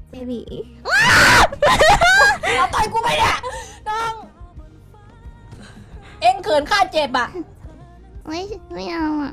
เบบีเอาต่อยกูไปเนี่ยน้อง เอ็งเขินข้าเจ็บอ่ะไม่เอาอ่ะ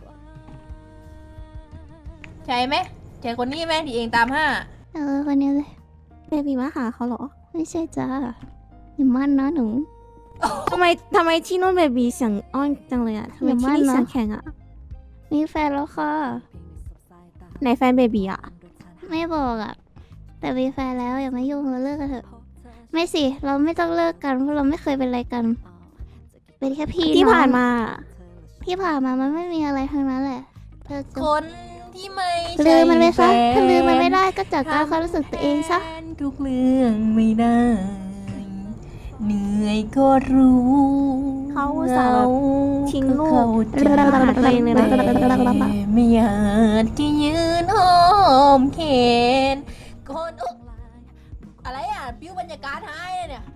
ใช่ไหมใช่คนนี้ไหมที่เองตามห้าคนนี้เลยเบบีมาหาเขาเหรอ ไม่ใช่จ้าอย่ามั่นนะหนูทำไมที่นู่นเบบีเสียงอ้อนจังเลยอ่ะทำไมที่นี่เสียงแข็งอ่ะมีแฟนแล้วค่ะไหนแฟนเบบีอ่ะไม่บอกอ่ะแต่มีแฟนแล้วอย่ามายุ่งเราเลิกกันเถอะไม่สิเราไม่ต้องเลิกกันเพราะเราไม่เคยเป็นอะไรกัน เป็นแค่พี่ที่ผ่านมามันไม่มีอะไรทั้งนั้นแหละเธอจะคนที่ไม่ลืใช่มมันไปซะแฟถ้าลืมมันไม่ได้ก็จัดการความรู้สึกตัวเองซะทุกเรื่องไม่ได้ เหนื่อยก็รู้เขาอุตส่าห์แบบทิ้งลูกก็เข้าใจมาหาตัวเองเลยนะแต่ไม่อยากจะยืนห้อมแขนคนอุ๊ยอะไรอ่ะปิ้วบรรยากาศหายเลยเนี่ย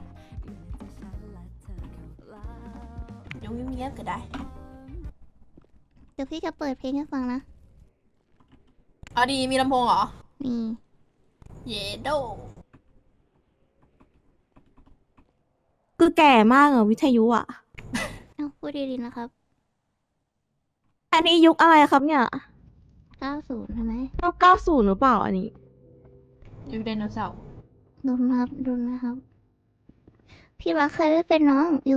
เดี๋ยวเงียบๆก็ได้เดี๋ยวพี่จะเปิดเพลงให้ฟังนะเอาดีมีลำโพงเหรอนี่เยโดคือแก่มากอะวิทยุอะเอาพูดดีๆนะครับอันนี้ยุคอะไรครับเนี่ย 90ใช่ไหมยุค90หรือเปล่าอันนี้อยู่ไดโนเสาร์ดูนะครับดูนะครับ พี่รักเคยไม่เป็นน้องอยู่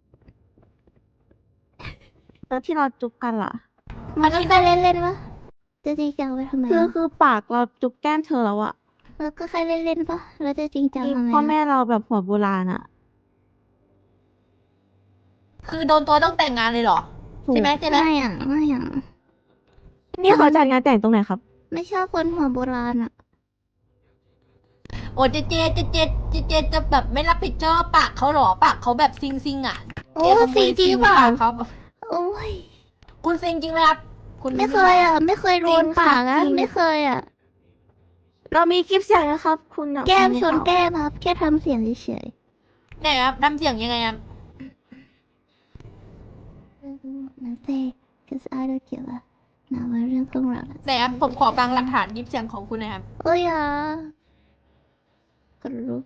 แล้วที่เราจุ๊บกันล่ะมันก็แค่เล่นๆวะจะจริงจังไปทำไมคือปากเราจุ๊บแก้มเธอแล้วอะแล้วก็แค่เล่นๆปะแล้วจะจริงจังที่ทำไมพ่อแม่เราแบบหัวโบราณอะคือโดนตัวต้องแต่งงานเลยเหรอ ใช่ไหมใช่ไหมไม่อ่ะไม่อ่ะนี่เขาจัดงานแต่งตรงไหนครับไม่ชอบคนหัวโบราณอ่ะโอ้เจจะแบบไม่รับผิดชอบปากเขาเหรอปากเขาแบบซิงอ่ะโอ้เจ๊ขโมยจริงเปล่าปากเขาโอ้ยคุณซิงจริงไหมครับ คุณไม่เคยอ่ะ ไม่เคยโดนปากอ่ะจริงไม่เคยอ่ะเรามีคลิปเสียงนะครับ คุณอะแก้มคุณชนรู้เปล่าแก้มครับ แค่ทำเสียงเฉยไหนครับทำเสียงยังไงครับๆนั่นเซ่ cause I don't give a นะว่าเรื่องของเราไหนครับผมขอฟังหลักฐานยิบเสียงของคุณหนะครับโอ้ยอ่ะคนรู้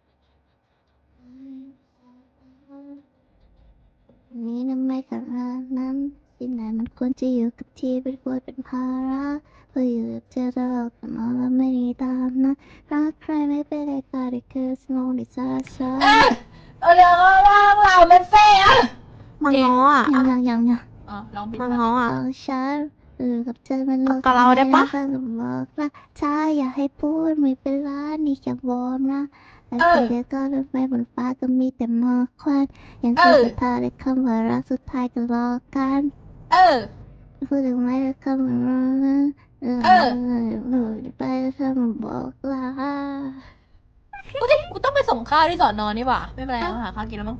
นี่นะไม่ขนาดนั้นที่ไหนมันควรจะอยู่กับที่เป็นควรเป็นภาระเพื่ออยู่กับเธอตลอดแต่มองแล้วไม่ได้ตามนะรักใครไม่เป็นไรก็ได้คือสมองดิซาซาเอาเดี๋ยวเราเป็นเฟ่อะมังง้ออะยังอ๋อลองผิดมังมาง้ออะของฉันอยู่กับเธอมันโลกกับเราได้ปะม่ก็บอกว่าถ้าอยากให้พูดไม่เป็นไรนี่แค่วอร์มนะแต่เธอก็รถไฟบนฟ้าก็มีแต่หมอกควันยังคือสุดท้ายในคำว่ารักสุดท้ายก็รอกันเออพูดถึงไม่ได้คำว่ารักไปแล้วเธอมาบอกลากูต้องไปส่งข้าวที่สอนอนี่หว่าไม่เป็นไรเราหาข้าวกินแล้วมั้ง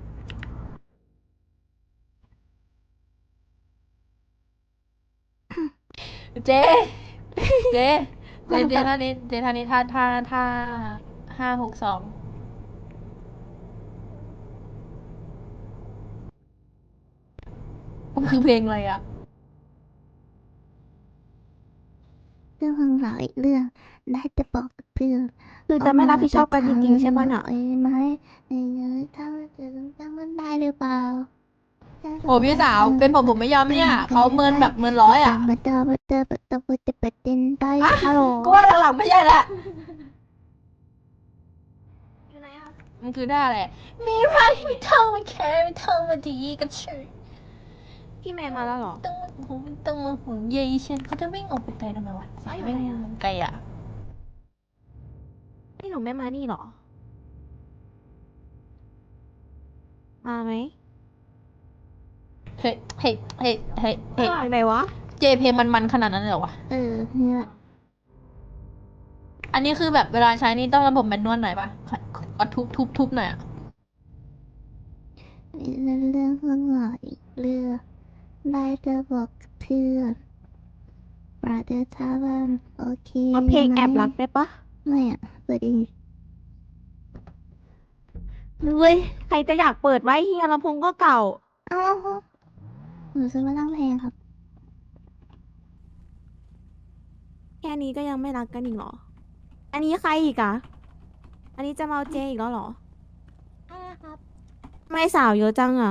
เจเจท่านี้ท่านี้ท่า5 6 2มันคือเพลงอะไรอ่ะเรื่องของเราอีกเรื่องได้จะบอกกับเพื่อนคือจะไม่รับผิดชอบกันจริงๆใช่ปะเนี่ยไอ้ไหมไอ้เงยถ้าจะจำมันได้หรือเปล่าโอ้พี่สาวเป็นผมไม่ยอมเนี่ยเขาเมินแบบเมินร้อยอ่ะมาเจอจะประเด็นไปฮัลโหลก็ว่าหลังๆไม่ใช่ละมันคือท่าอะไรมีใครไม่เท่ามาแค่ไม่เท่ามาดีกับฉันพี่แมนมาแล้วเหรอต้องมาห่วงใยฉันเขาจะวิ่งออกไปไกลทำไมวะสายวิ่งไกลอ่ะนี่หนูไม่มานี่เหรอ มาไหมเฮ้ยไหนวะเจเพลงมันขนาดนั้นเลยเหรอวะเนี่ยอันนี้คือแบบเวลาใช้นี่ต้องระบบแมนนวลหน่อยปะก็ทุบหน่อยอ่ะเรื่องของเราอีกเรื่องได้จะบอกกับเพื่อนประเดี๋ยวถ้าว่าโอเคเอาเพลงไหมแอบรักได้ปะไม่อ่ะเปิดอีกเว้ยใครจะอยากเปิดไว้เฮียลำโพงก็เก่าเอ้าหนูซื้อมาตั้งแพงครับแค่นี้ก็ยังไม่รักกันอีกเหรออันนี้ใครอีกอะอันนี้จะมาเอาเจอีกแล้วเหรอใช่ครับไม่สาวเยอะจังอะ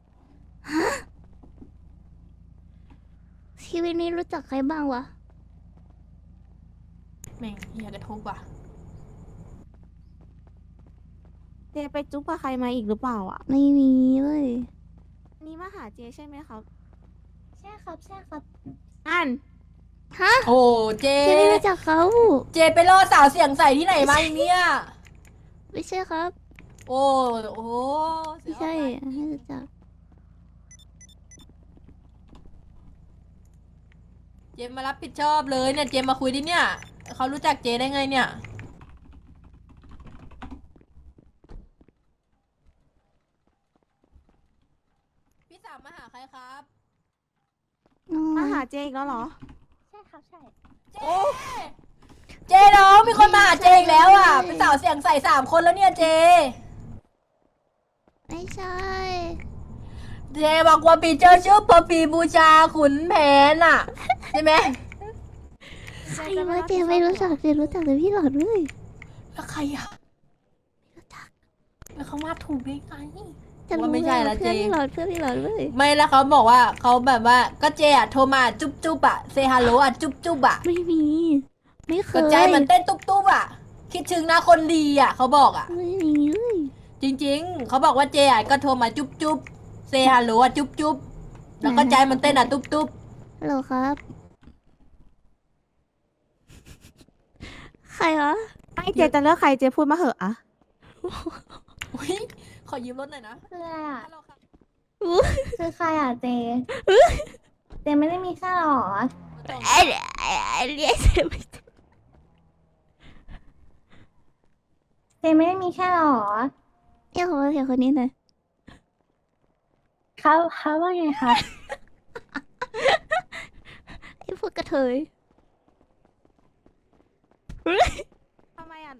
ชีวิตนี้รู้จักใครบ้างวะแม่งเฮียกระทุกว่ะเจไปจุ๊บกับใครมาอีกหรือเปล่าอะไม่มีเลยอันนี้มาหาเจใช่ไหมครับใช่ครับใช่ครับอันฮะโอ้เจชีวิตรู้จักเขาเจไปล่อสาวเสียงใสที่ไหนมาอีกเนี่ยไม่ใช่ครับโอ้โหเสีไม่ยใช่ออกมาไม่รู้จักเจมมารับผิดชอบเลยเนี่ย เจมมาคุยดิเนี่ย เขารู้จักเจได้ไงเนี่ย พี่สาวมาหาใครครับมาหาเจอีกแล้วเหรอใช่ครับใช่เจ เจน้องมีคนมาหาเจอีกแล้วอ่ะ เป็นสาวเสียงใส3 คนแล้วเนี่ยเจไม่ใช่เจบอกว่าปีเจอชื่อปอปีบูชาขุนแผนอ่ะ ใช่ไหมใครวะเจไม่รู้จักเจรู้จักแต่พี่หลอดเลยแล้วใครอ่ะรู้จักแล้วเขามาถูกได้ไงจะรู้ว่าไม่ใช่ละเพื่อนเจพี่หลอดเพื่อนพี่หลอดเลยไม่แล้วเขาบอกว่าเขาแบบว่าก็เจอ่ะโทรมาจุ๊บจุ๊บอ่ะเซฮัลโหลอ่ะจุ๊บจุ๊บอ่ะไม่มี ไม่เคก็ยใจมันเต้นตุ๊บตุ๊บอ่ะ คิดถึงนะคนดีอ่ะเขาบอกอ่ะไม่มีเลยจริงๆ เขาบอกว่าเจอ่ะก็โทรมาจุ๊บจุ๊บเซฮัลโหลอ่ะจุ๊บจุ๊บแล้วก็ใจมันเต้นอ่ะตุ๊บตุ๊บฮัลโหลครับ ใครวะไม่เจจะเลือกใครเจพูดมาเหอะอะอุ๊ยขอยืมรถหน่อยนะคืออะไรอ่ะฮัลโหลครับคือใครอ่ะเจ เจไม่ได้มีแค่หรอไอ้เรียกเจไม่ถูกเจไม่ได้มีแค่หรอเรียกเขาว่าเพียงคนนี้หน่อยเขาว่าไงคะไอ้พวกกระเทยทำไมอะ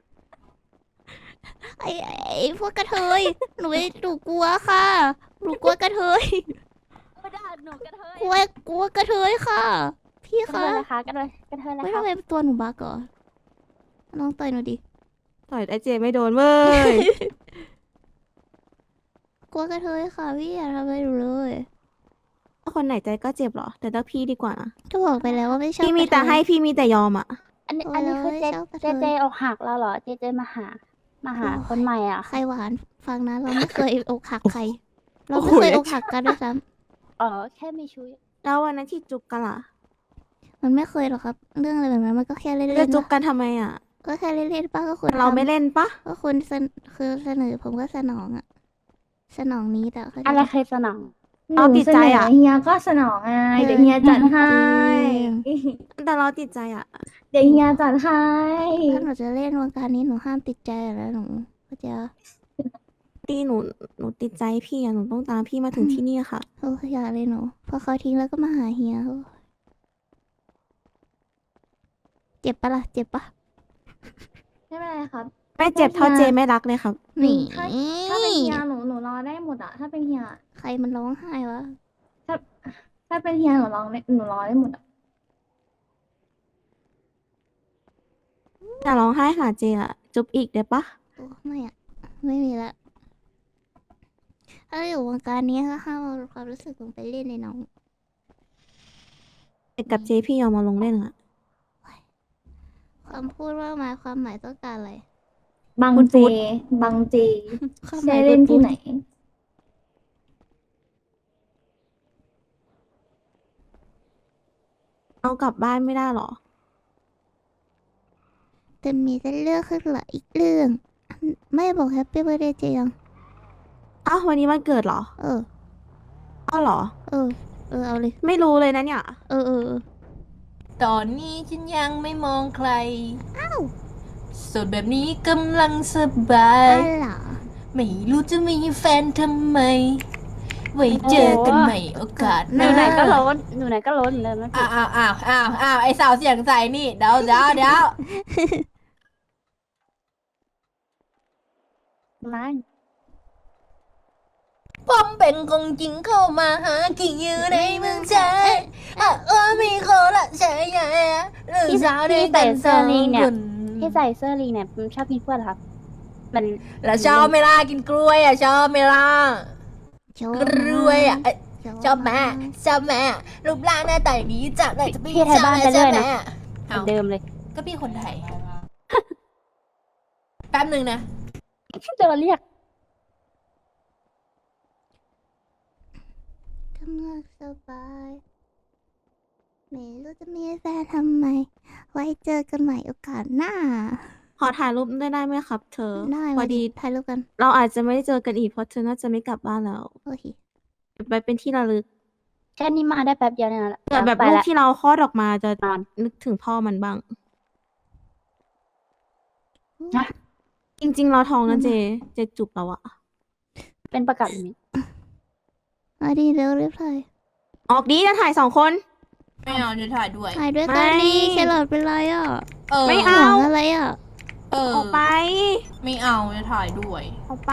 ไอ้พวกกระเทย หนูไม่หนูกลัวค่ะ หนูกลัวกระเทยไม่ได้หนูกระเทยกลัวกระเทยค่ะ พี่กระเทคะยนะคะกระเทยกระเทยนะไม่คะทำไมตัวหนูบ้าก่อนน้องต่อยหนูดิต่อยไอเจไม่โดนเว้ยกลัวกระเทยค่ะพี่อย่าทำอะไรหนูเลยคนไหนใจก็เจ็บเหรอ แต่เลือกพี่ดีกว่านะก็บอกไปแล้วว่าไม่ชอบพี่มีแต่ให้พี่มีแต่ยอมอะอันนี้คือเจชอบกระเทเจยอกหักแล้วเหรอ เจมาหา คนใหม่อ่ะใครหวานฟังนะเราไม่เคยอกหักใคร เราไม่เคยอกหักกันด้วยซ้อ๋อ แค่มีชุยแล้ววันนั้นที่จุบกันล่ะำมันไม่เคยหรอกครับ เรื่องอะไรแบบนั้นมันก็แค่เล่นจะๆจุบนะกันทำไมอะก็แค่เล่นๆป้าก็คุณเราไม่ทำเล่นปะก็คุณคือเสนอผมก็สนองอะสนองนี้แต่เขาอะไรเคยสนองเราติดใจอะเฮียก็สนองไงเดี๋ยวเฮียจัดให้แต่เราติดใจอะเดี๋ยวเฮียจัดให้ถ้าหนูจะเล่นวงการนี้หนูห้ามติดใจแล้วหนูก็จะตีหนูติดใจพี่อะหนูต้องตามพี่มาถึงที่นี่ค่ะโอ้อย่าเลยหนูพอเขาทิ้งแล้วก็มาหาเฮียโอ้เจ็บปะล่ะเจ็บปะไม่เป็นไรครับไม่เจ็บเท่าเจไม่รักเลยครับนี่ถ้าเป็นเฮียหนูรอได้หมดอ่ะ ถ้าเป็นเฮียใครมันร้องไห้วะถ้าเป็นเฮียหนูรอได้หมดอ่ะแต่ร้องไห้หาเจอะจุบอีกได้ปะโอ้ไม่อะไม่มีละถ้าอยู่วงการนี้ก็ห้ามเอาความรู้สึกลงไปเล่นในน้องแต่กับเจพี่ยอมมาลงเล่นอะความพูดว่ามาความหมายต้องการอะไรบังเจ บังเจความหเจมายเล่นที่ไหนเอากลับบ้านไม่ได้หรอแต่มีแต่เรื่องขึ้นละอีกเรื่อง ไม่บอกแฮปปี้เบ t ร์ a เดย์เจยังอ้าววันนี้มันเกิดเหรอเอออ้าวเหรอเออ เอาเลยไม่รู้เลยนะเนี่ยเออตอนนี้ฉันยังไม่มองใครโสดแบบนี้กำลังสบายอะไรไม่รู้จะมีแฟนทำไม ไว้เจอกันใหม่โอกาสหหนูน้าไหนก็ล้นหนูไหนก็ล้นเลยไม่ผิอ้าดวไอสาวเสียงใสนี่เดี๋ยวไม่ผมเป็นคงจริงเข้ามาหากี่อยู่ในเมืองไทยมีคนละใช่ไหมหรือสาวได้แต่สองคนที่ใส่เสื้อลีเนี่ยมันชอบกินกล้วยเหรอครับมันแล้วชอบไหมล่ะกินกล้วยอ่ะชอบไหมล่ะชอบกล้วยอ่ะเอ้ยชอบแม่ากชอบแม่รูปร่างหน้าตาอย่างนี้จากไหนจะไปพี่ไทยบ้านไปชเรื่ออบ ยแม่นะ เหมือนเดิมเลยก็พี่คนไทย แป๊บหนึ่งนะจะมาเรียกกำลังสบายไม่รู้จะมีแฟนทำไม ไว้เจอกันใหม่โอกาสหน้าขอถ่ายรูปได้ไหมครับ เธอได้พอมาดีถ่ายรูปกันเราอาจจะไม่ได้เจอกันอีกเพราะเธอน่าจะไม่กลับบ้านแล้วโอเคเก็บไปเป็นที่ระลึกแค่นี้มาได้แป๊บเดียวเนี่ยนะเกิดแบบไปลูกละที่เราคลอดออกมาจะนอนนึกถึงพ่อมันบ้างฮะจริง ๆ เราท้องนะเจจุบเราอะเป็นประกาศนี้มาดีเร็วรีบถ่ายออกดีจะถ่าย2 คนไม่เอาจะถ่ายด้วยถ่ายด้วยกันไม่ดีแครอทเป็นไรอ่ะไม่ห่เอาวงอะไรอ่ะออกไปไม่เอาจะถ่ายด้วยออกไป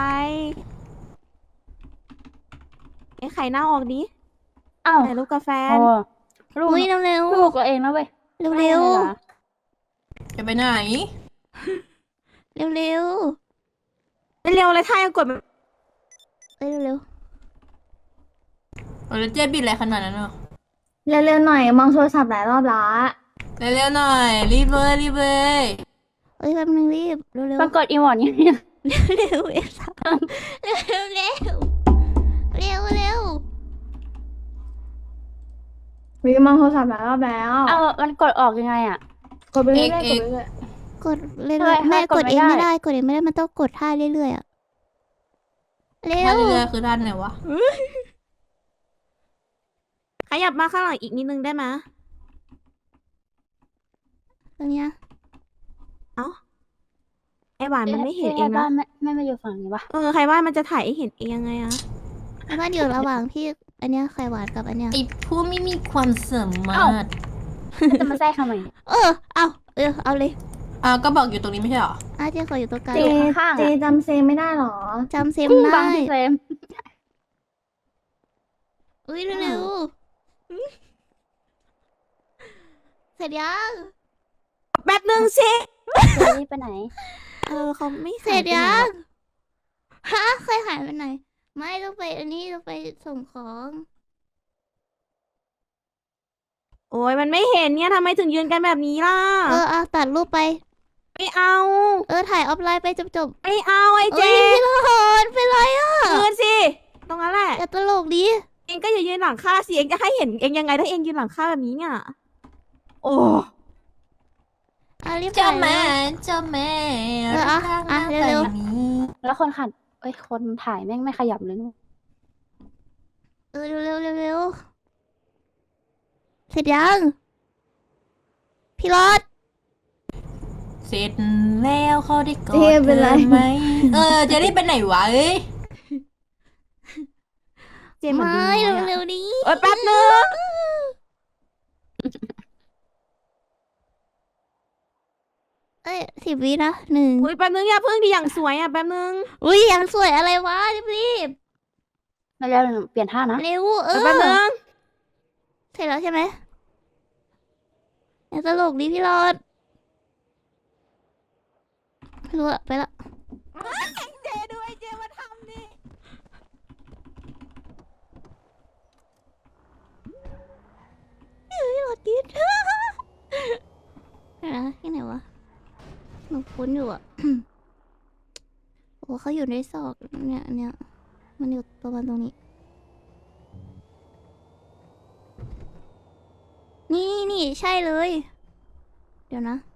ไอ้ไข่หน้าออกดิอ้าวถ่ายรูปกับแฟโอ้นลูกอุ้ยเร็วเร็วลูกตัวเองแล้วเว้ยเร็วเร็วไม่ได้หรอจะไปไหนเร็วเร็วเร็วเลยถ่ายกดแบบเอ้ยเร็วเร็วแล้วเจ๊บิดอะไรขนาดนั้นอ่ะเร็วๆหน่อยมองโทรศัพท์หลายรอบละเร็วๆหน่อย รีบเลยรีบเลยเอ้ยแป๊บนึงรีบเร็วเร็วปรากฏอีหมอนอย่างนี้เร็วเอฟสามเร็วเร็วเร็วเร็ววิมองโทรศัพท์หลายรอบแล้วเอามันกดออกยังไงอ่ะกดไปเรื่อยๆกดไปเรื่อยกดเรื่อยทำไมๆแม่กกดดไม่เองไม่ได้ได้กดเองไม่ได้มันต้องกดท่าเรื่อยๆอ่ะเร็ท่าว เรือคือท่านไหนวะขยับมาข้างหลังอีกนิดนึงได้ไหมตรงเนี้ยไอหวานมันไม่เห็นเอที่งบ้านะนไม่มาอยู่ฝั่งนี้วะใครว่ามันจะถ่ายให้เห็นเองยังไงอะแล้วมันอยู่ระหว่างพี่อันเนี้ยไข่หวานกับอันเนี้ยไอ้ผู้ไม่มีความสามารถจะมาแทรกทำไมเนี่ยเอาเลยก็บอกอยู่ตรงนี้ไม่ใช่เหรอเจ๊ขออยู่ตรงกลางๆเจข้างๆอะเจจำเซมไม่ได้หรอจำเซมบัได้งพี่เซมอุ้ยเร็วเสร็จยังแป๊บนึงสิเดี๋ยวรีบไปไหนเขาไม่เสร็จหาไปไหนยัหงรอกฮะเคยหายไปไหน ไม่ต้องไปอันนี้ต้องไปส่งของโอ้ยมันไม่เห็นเนี่ยทำไมถึงยืนกันแบบนี้ล่ะตัดรูปไปไม่เอาถ่ายออฟไลน์ไปจบไม่เอาไอ้เจพี่ละหอนเป็นไรอ่ะยืนสิ ตรงนั้นแหละอย่าตลกดิเองก็อย่ายืนหลังข้าสิเองจะให้เห็นเองยังไงถ้าเองยืนหลังข้าแบบนี้เนี่ย โอ้รีบเจ้าถ่ายแม่เลยเจ้าแม่เร็วแล้วคนขัดคนถ่ายแม่งไม่ขยับเลยเร็วเสร็จยังพี่รถเสร็จแล้วเขาได้กอดเจเป็นไรธอไหมจะได้ไปไหนวะเอ้ยเจเหมือนไม่ลิงน้อยอะเร็วๆดิแป๊บนึง 10 วินะ1 อุ้ยแป๊บนึงอย่าเพิ่งดีอย่างสวยอ่ะแป๊บนึงอุ้ยยังสวยอะไรวะรีบมาแล้วเปลี่ยนท่านะเร็วแป๊บนึงเสร็จแล้วใช่ไหมอย่าตลกดิพี่รถไม่รู้อะไปละเจด้วยเจมาทำดิพี่รถดิด ที่ไหนวะหนูคุ้นอยู่อะ โอ้เขาอยู่ในซอกเนี่ยมันอยู่ประมาณตรงนี้ นี่ใช่เลย เดี๋ยวนะ